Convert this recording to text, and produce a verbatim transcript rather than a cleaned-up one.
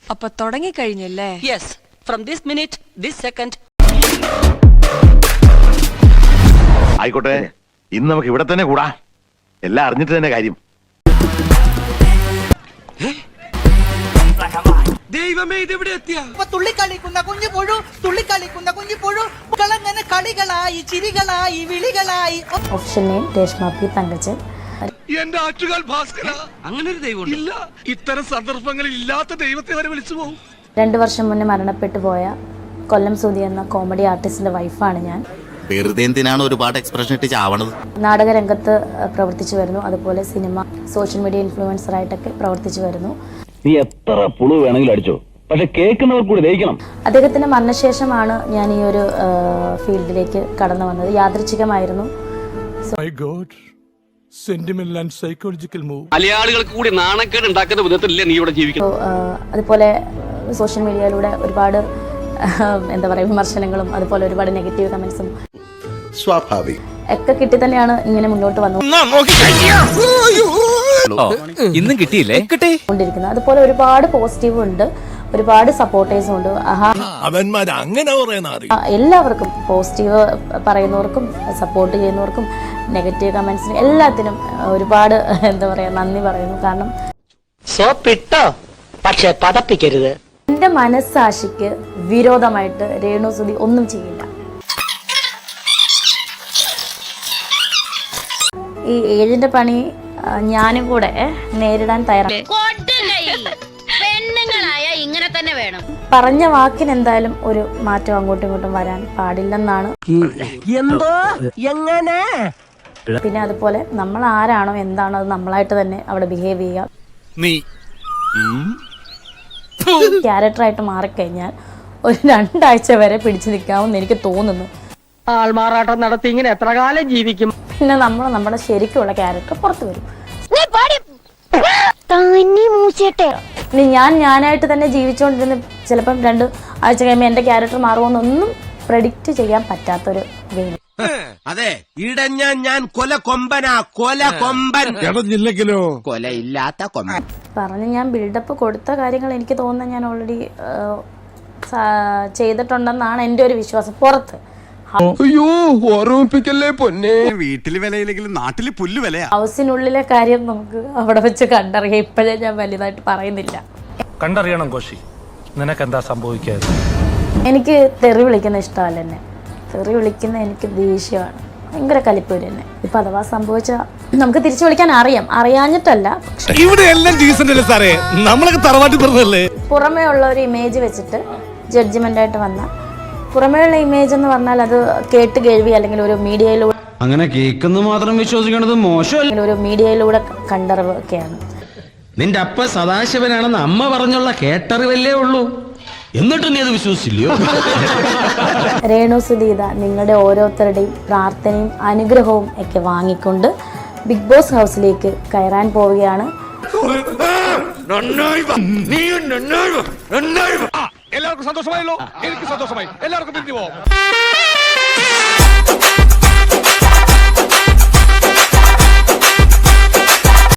അപ്പൊ തുടങ്ങി കഴിഞ്ഞല്ലേ? Yes, from this minute this second. ആയിക്കോട്ടെ, ഇന്ന് നമുക്ക് ഇവിടെ തന്നെ കൂടാ. എല്ലാം അറിഞ്ഞിട്ട് തന്നെ കാര്യം. ദൈവമേ, ഇതെവിടെ എത്തിയ? തുള്ളിക്കളിക്കുന്ന കുഞ്ഞു പുഴു, തുള്ളിക്കളിക്കുന്ന കുഞ്ഞു പുഴു, കളങ്ങനെ കളികളായി ചിരികളായി വിളികളായി. Option name Reshma P Thankachan. എന്റെ ആറ്റുകാൽ ഭാസ്കര, അങ്ങനെ ഒരു ദൈവം ഇല്ല. ഇത്തരം സന്ദർഭങ്ങളിൽ ഇല്ലാത്ത ദൈവത്തെ വരെ വിളിച്ചു പോകും. രണ്ടു വർഷം മുന്നേ മരണപ്പെട്ടു പോയ കൊല്ലം സുധി എന്ന കോമഡി ആർട്ടിസ്റ്റിന്റെ വൈഫാണ് ഞാൻ. വെറുതെ എന്തിനാണ് ഒരുപാട് എക്സ്പ്രഷൻ ഇട്ട് ചാവണത്? നാടകരംഗത്ത് പ്രവർത്തിച്ചു വരുന്നു, അതുപോലെ സിനിമ, സോഷ്യൽ മീഡിയ ഇൻഫ്ലുവൻസറായിട്ടൊക്കെ പ്രവർത്തിച്ചു വരുന്നു. നീ എത്ര പുളു വേണമെങ്കിലും അടിച്ചോ, പക്ഷെ കേൾക്കുന്നവർ കൂടി ദഹിക്കണം. അദ്ദേഹത്തിന്റെ മരണശേഷമാണ് ഞാൻ ഈ ഒരു ഫീൽഡിലേക്ക് കടന്നു വന്നത്. യാദൃച്ഛികമായിരുന്നു. മലയാളികൾക്ക് കൂടി നാണക്കേട് ഉണ്ടാക്കുന്ന വിധത്തിലല്ലേ നീ ഇവിടെ ജീവിക്കുന്നത്? അതുപോലെ സോഷ്യൽ മീഡിയയിലൂടെ ഒരുപാട് എന്താ പറയുക വിമർശനങ്ങളും അതുപോലെ ഒരുപാട് നെഗറ്റീവ് കമന്റ്സും സ്വാഭാവികം ഒക്കെ കിട്ടി തന്നെയാണ് ഇങ്ങനെ മുന്നോട്ട് വന്നു ഇന്നും കിട്ടിയില്ലേ കൊണ്ടിരിക്കുന്നത്. അതുപോലെ ഒരുപാട് പോസിറ്റീവും ഉണ്ട്, ഒരുപാട് സപ്പോർട്ടേഴ്സും ഉണ്ട്. എല്ലാവർക്കും, പോസിറ്റീവ് പറയുന്നവർക്കും സപ്പോർട്ട് ചെയ്യുന്നവർക്കും നെഗറ്റീവ് കമന്റ്സിന് എല്ലാത്തിനും ഒരുപാട് എന്താ പറയാ നന്ദി പറയുന്നു. കാരണം സോപ്പിട്ടോ, പക്ഷെ പതപ്പിക്കരുത്. എന്റെ മനസ്സാക്ഷിക്ക് വിരോധമായിട്ട് രേണു സുധി ഒന്നും ചെയ്യില്ല. ഈ ഏജിന്റെ പണി ഞാനും കൂടെ നേരിടാൻ തയ്യാറാണ്. പറഞ്ഞ വാക്കിന് എന്തായാലും ഒരു മാറ്റം അങ്ങോട്ടും ഇങ്ങോട്ടും വരാൻ പാടില്ലെന്നാണ്. പിന്നെ അതുപോലെ നമ്മൾ ആരാണോ എന്താണോ അത് നമ്മളായിട്ട് തന്നെ അവിടെ ബിഹേവ് ചെയ്യുക. ക്യാരക്ടറായിട്ട് മാറിക്കഴിഞ്ഞാൽ ഒരു രണ്ടാഴ്ച വരെ പിടിച്ചു നിൽക്കാമെന്ന് എനിക്ക് തോന്നുന്നു. ആൾമാറാട്ടം നടത്തി ഇങ്ങനെ എത്ര കാലം ജീവിക്കും? പിന്നെ നമ്മൾ നമ്മുടെ ശരിക്കുള്ള ക്യാരക്ടർ പുറത്തു വരും. ഇനി ഞാൻ ഞാനായിട്ട് തന്നെ ജീവിച്ചുകൊണ്ടിരുന്ന ചിലപ്പം രണ്ട് ആഴ്ച കഴിയുമ്പോൾ എന്റെ ക്യാരക്ടർ മാറുമെന്നൊന്നും പ്രഡിക്റ്റ് ചെയ്യാൻ പറ്റാത്തൊരു ഗെയിം. അതെ, ഇടഞ്ഞ ഞാൻ കൊല കൊമ്പനാ, കൊല കൊമ്പൻ. ഇടഞ്ഞില്ലെങ്കിലോ കൊലയില്ലാത്ത കൊമ്പൻ. പറഞ്ഞ് ഞാൻ ബിൽഡപ്പ് കൊടുത്ത കാര്യങ്ങൾ എനിക്ക് തോന്നുന്നത് ഞാൻ ഓൾറെഡി ചെയ്തിട്ടുണ്ടെന്നാണ് എൻ്റെ ഒരു വിശ്വാസം. പുറത്ത് അയ്യോ, ഓർമ്മിപ്പിക്കല്ലേ പൊന്നെ. വീട്ടില് വിലയില്ലെങ്കിലും നാട്ടില് പുല്ല് വിലയാ. ഹൗസിനുള്ളിലെ കാര്യം നമുക്ക് അവിടെ വെച്ച് കണ്ടറിയാം. ഇപ്പോഴേ ഞാൻ വലുതായിട്ട് പറയുന്നില്ല. കണ്ടറിയണം കോശി, നിനക്ക് എന്താ സംഭവിക്കാതെ? എനിക്ക് തെറി വിളിക്കുന്ന ഇഷ്ടമല്ല. എന്നെ തെറി വിളിക്കുന്ന എനിക്ക് ദേഷ്യമാണ്, ഭയങ്കര കലിപ്പൂര് തന്നെ. ഇപ്പൊ അഥവാ സംഭവിച്ച നമുക്ക് തിരിച്ചു വിളിക്കാൻ അറിയാം, അറിയാഞ്ഞിട്ടല്ല. ഇവിടെ എല്ലാം ഡീസന്റ് അല്ലേ സാറേ, നമ്മളൊക്കെ തറവാട്ടി പറഞ്ഞല്ലേ. പുറമേ ഉള്ള ഒരു ഇമേജ് വെച്ചിട്ട് ജഡ്ജ്മെന്റ് ആയിട്ട് വന്ന പുറമേയുള്ള ഇമേജ് എന്ന് പറഞ്ഞാൽ അത് കേട്ട് കേൾവി അല്ലെങ്കിൽ ഒരു മീഡിയയിലൂടെ അങ്ങനെ കേൾക്കുന്നു മാത്രം വിശ്വസിക്കണത് മോശമല്ല. ഒരു മീഡിയയിലൂടെ കണ്ടറിവ് ഒക്കെയാണ്. നിന്റെ അപ്പ സദാശിവനാണെന്ന് അമ്മ പറഞ്ഞുള്ള കേട്ടറിവല്ലേ ഉള്ളൂ, എന്നിട്ട് നീ അത് വിശ്വസിച്ചില്ലയോ? രേണു സുധീത നിങ്ങളുടെ ഓരോരുത്തരുടെയും പ്രാർത്ഥനയും അനുഗ്രഹവും ഒക്കെ വാങ്ങിക്കൊണ്ട് ബിഗ് ബോസ് ഹൗസിലേക്ക് കയറാൻ പോവുകയാണ്. എല്ലാവർക്കും സന്തോഷമായല്ലോ, എനിക്ക് സന്തോഷമായി. എല്ലാവർക്കും പിരിഞ്ഞു പോവാം.